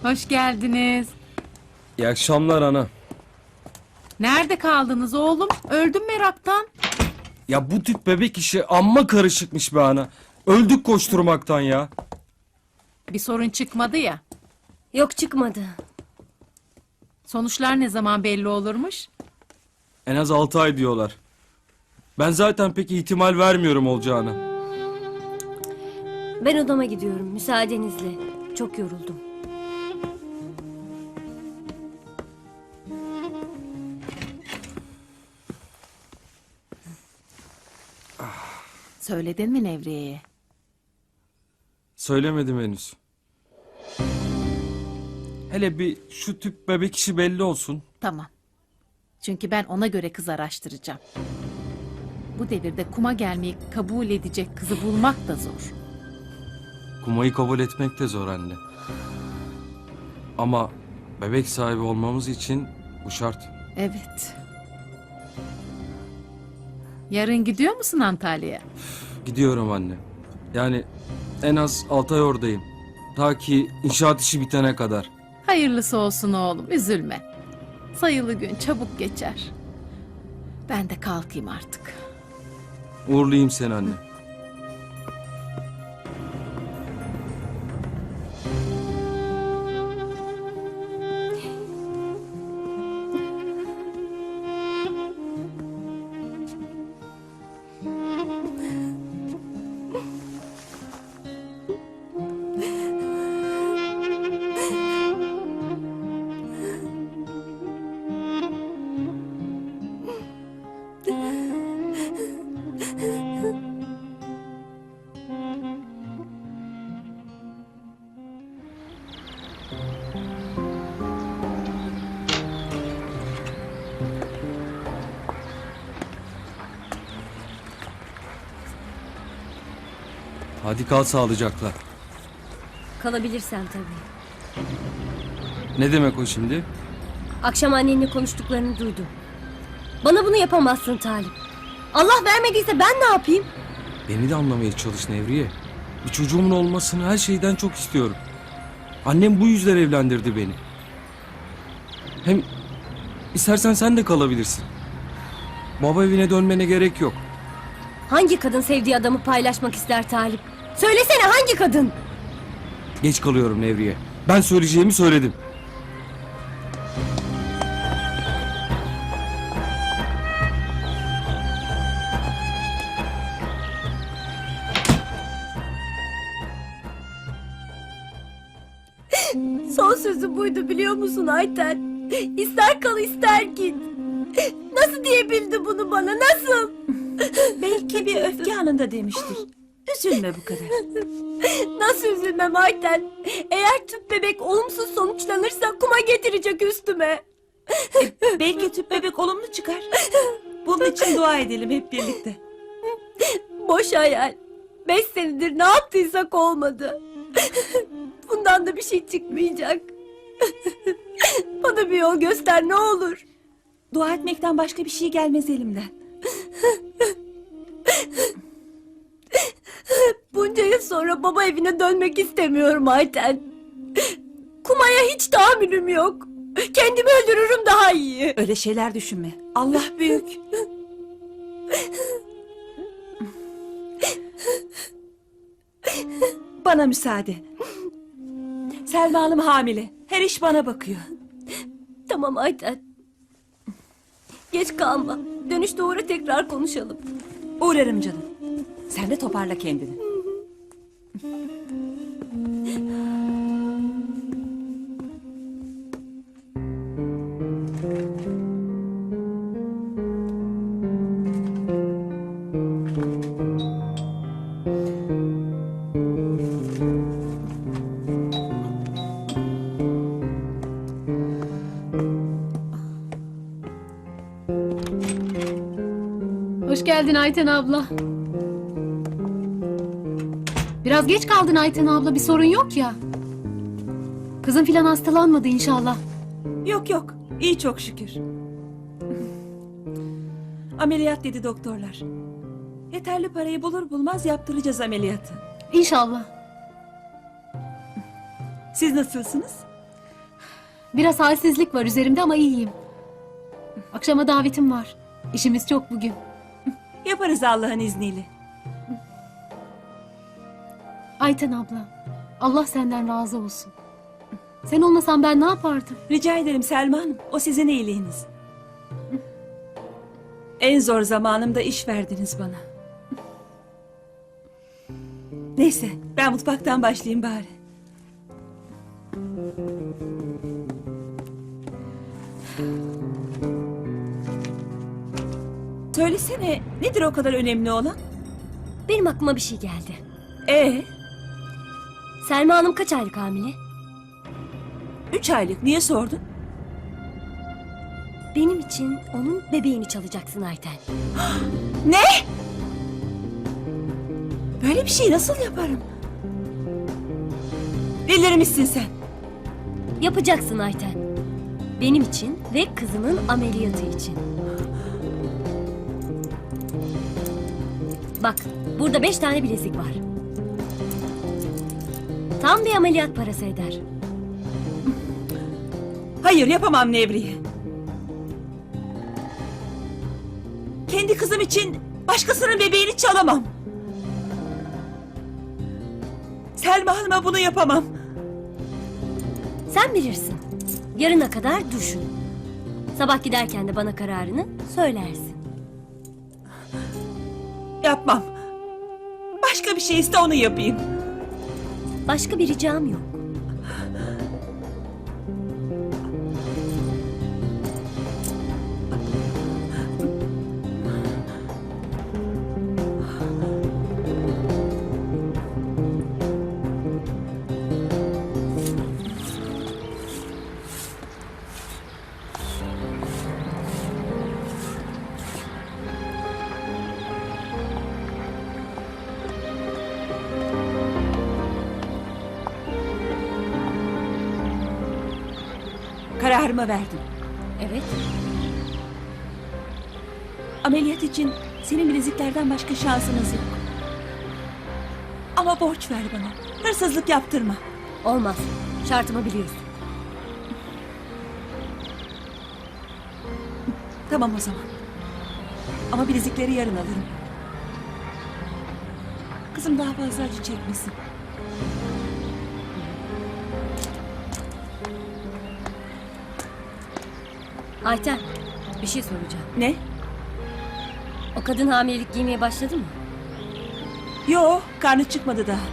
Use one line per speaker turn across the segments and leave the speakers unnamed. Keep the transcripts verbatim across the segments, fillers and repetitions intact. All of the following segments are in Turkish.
Hoş geldiniz.
İyi akşamlar ana.
Nerede kaldınız oğlum? Öldüm meraktan.
Ya bu tip bebek işi amma karışıkmış be ana. Öldük koşturmaktan ya.
Bir sorun çıkmadı ya.
Yok çıkmadı.
Sonuçlar ne zaman belli olurmuş?
En az altı ay diyorlar. Ben zaten pek ihtimal vermiyorum olacağına.
Ben odama gidiyorum müsaadenizle. Çok yoruldum.
Söyledin mi Nevriye'ye?
Söylemedim henüz. Hele bir şu tüp bebek işi belli olsun.
Tamam. Çünkü ben ona göre kız araştıracağım. Bu devirde kuma gelmeyi kabul edecek kızı bulmak da zor.
Kumayı kabul etmek de zor anne. Ama bebek sahibi olmamız için bu şart.
Evet. Yarın gidiyor musun Antalya'ya?
Gidiyorum anne. Yani en az altı ay oradayım. Ta ki inşaat işi bitene kadar.
Hayırlısı olsun oğlum, üzülme. Sayılı gün çabuk geçer. Ben de kalkayım artık.
Uğurlayayım seni anne. Hadi kal sağlıcakla.
Kalabilirsen tabii.
Ne demek o şimdi?
Akşam annenle konuştuklarını duydum. Bana bunu yapamazsın Talip. Allah vermediyse ben ne yapayım?
Beni de anlamaya çalış Nevriye. Bir çocuğumun olmasını her şeyden çok istiyorum. Annem bu yüzden evlendirdi beni. Hem istersen sen de kalabilirsin. Baba evine dönmene gerek yok.
Hangi kadın sevdiği adamı paylaşmak ister Talip? Söylesene hangi kadın?
Geç kalıyorum Nevriye. Ben söyleyeceğimi söyledim.
Son sözü buydu biliyor musun Ayten? İster kal ister git. Nasıl diyebildi bunu bana nasıl?
Belki bir öfke anında demiştir. Üzülme bu kadar.
Nasıl üzülmem Ayten? Eğer tüp bebek olumsuz sonuçlanırsa kuma getirecek üstüme.
Belki tüp bebek olumlu çıkar. Bunun için dua edelim hep birlikte.
Boş hayal. Beş senedir ne yaptıysak olmadı. Bundan da bir şey çıkmayacak. Bana bir yol göster ne olur.
Dua etmekten başka bir şey gelmez elimden.
Bunca yıl sonra baba evine dönmek istemiyorum Ayten. Kumaya hiç tahammülüm yok. Kendimi öldürürüm daha iyi.
Öyle şeyler düşünme. Allah büyük. Bana müsaade. Selma Hanım hamile. Her iş bana bakıyor.
Tamam Ayten. Geç kalma. Dönüşte uğra tekrar konuşalım.
Uğrarım canım. Sen de toparla kendini.
Hoş geldin Ayten abla. Biraz geç kaldın Ayten abla, bir sorun yok ya. Kızın filan hastalanmadı inşallah.
Yok yok. İyi çok şükür. Ameliyat dedi doktorlar. Yeterli parayı bulur bulmaz yaptıracağız ameliyatı.
İnşallah.
Siz nasılsınız?
Biraz halsizlik var üzerimde ama iyiyim. Akşama davetim var. İşimiz çok bugün.
Yaparız Allah'ın izniyle.
Ayten abla, Allah senden razı olsun. Sen olmasan ben ne yapardım?
Rica ederim Selma Hanım. O sizin iyiliğiniz. En zor zamanımda iş verdiniz bana. Neyse, ben mutfaktan başlayayım bari. Söylesene, nedir o kadar önemli olan?
Benim aklıma bir şey geldi.
Ee,
Selma Hanım kaç aylık hamile?
üç aylık. Niye sordun?
Benim için onun bebeğini çalacaksın Ayten.
Ne? Böyle bir şey nasıl yaparım? Delirmişsin sen.
Yapacaksın Ayten. Benim için ve kızımın ameliyatı için. Bak, burada beş tane bilezik var. Tam bir ameliyat parası eder.
Hayır, yapamam Nevriye. Kendi kızım için başkasının bebeğini çalamam. Selma Hanım'a bunu yapamam.
Sen bilirsin. Yarına kadar düşün. Sabah giderken de bana kararını söylersin.
Yapmam. Başka bir şey iste, onu yapayım.
Başka bir ricam yok.
Kararımı verdim.
Evet.
Ameliyat için senin bileziklerden başka şansınız yok. Ama borç ver bana. Hırsızlık yaptırma.
Olmaz. Şartımı biliyorsun.
Tamam o zaman. Ama bilezikleri yarın alırım. Kızım daha fazla acı çekmesin.
Ayten, bir şey soracağım.
Ne?
O kadın hamilelik giymeye başladı mı?
Yo, karnı çıkmadı daha.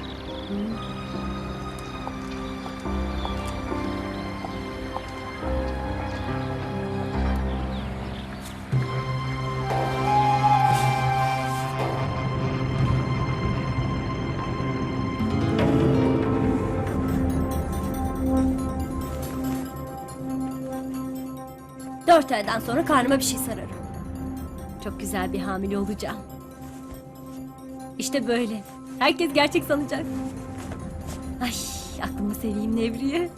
Dört aydan sonra karnıma bir şey sararım. Çok güzel bir hamile olacağım. İşte böyle. Herkes gerçek sanacak. Ay, aklımı seveyim Nevriye.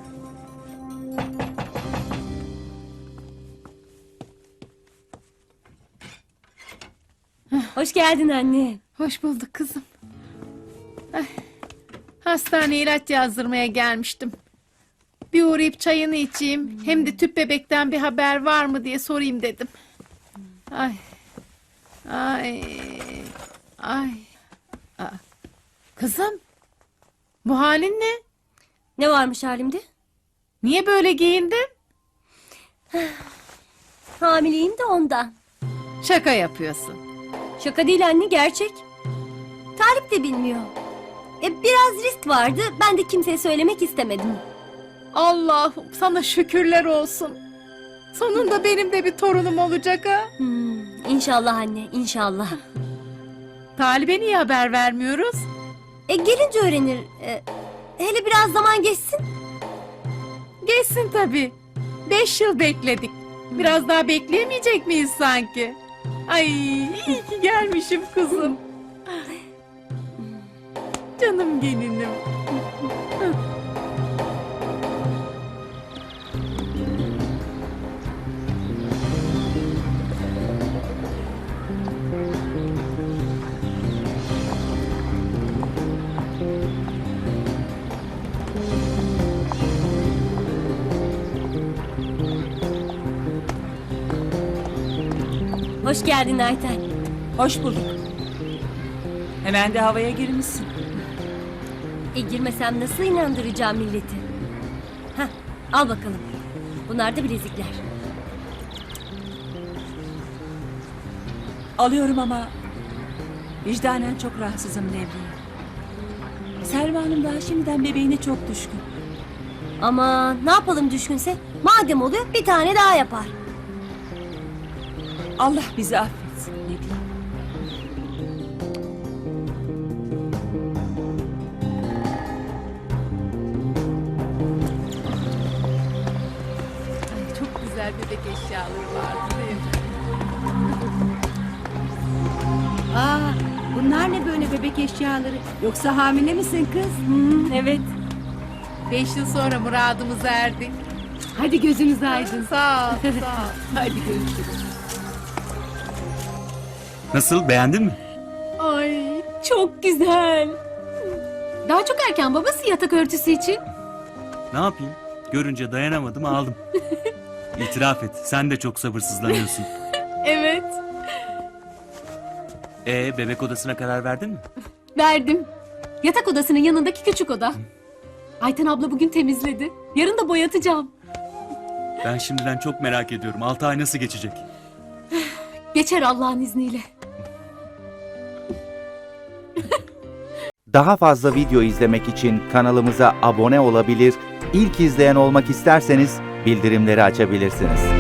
Hoş geldin anne.
Hoş bulduk kızım. Ay, hastaneye ilaç yazdırmaya gelmiştim. Bir uğrayıp çayını içeyim. Hem de tüp bebekten bir haber var mı diye sorayım dedim. Ay. Ay. Ay. Aa, kızım. Bu halin ne?
Ne varmış halimde?
Niye böyle giyindin?
Hamileyim de ondan.
Şaka yapıyorsun.
Şaka değil anne, gerçek. Talip de bilmiyor. E, biraz risk vardı. Ben de kimseye söylemek istemedim.
Allah'ım sana şükürler olsun. Sonunda benim de bir torunum olacak ha.
Hmm, inşallah anne, inşallah.
Talip'e niye haber vermiyoruz?
E, gelince öğrenir. E, hele biraz zaman geçsin.
Geçsin tabii. Beş yıl bekledik. Biraz daha bekleyemeyecek miyiz sanki? Ay iyi ki gelmişim kızım. Canım gelinim.
Hoş geldin Ayten.
Hoş bulduk. Hemen de havaya girmişsin.
E girmesem nasıl inandıracağım milleti? Hah, al bakalım. Bunlar da bilezikler.
Alıyorum ama vicdanen çok rahatsızım Nevriye. Selma Hanım daha şimdiden bebeğine çok düşkün.
Ama ne yapalım düşkünse? Madem oluyor bir tane daha yapar.
Allah bizi affetsin Nevriye.
Ay, çok güzel bebek eşyaları vardı değil mi?
Aa, bunlar ne böyle bebek eşyaları? Yoksa hamile misin kız?
Evet.
Beş yıl sonra muradımıza erdik.
Hadi gözünüz aydın.
Sağ ol, sağ ol. Hadi görüşürüz.
Nasıl, beğendin mi?
Ay çok güzel.
Daha çok erken babası yatak örtüsü için.
Ne yapayım? Görünce dayanamadım, aldım. İtiraf et, sen de çok sabırsızlanıyorsun.
Evet.
Ee, bebek odasına karar verdin mi?
Verdim. Yatak odasının yanındaki küçük oda. Ayten abla bugün temizledi. Yarın da boyatacağım.
Ben şimdiden çok merak ediyorum. Altı ay nasıl geçecek?
Geçer Allah'ın izniyle.
Daha fazla video izlemek için kanalımıza abone olabilir, ilk izleyen olmak isterseniz bildirimleri açabilirsiniz.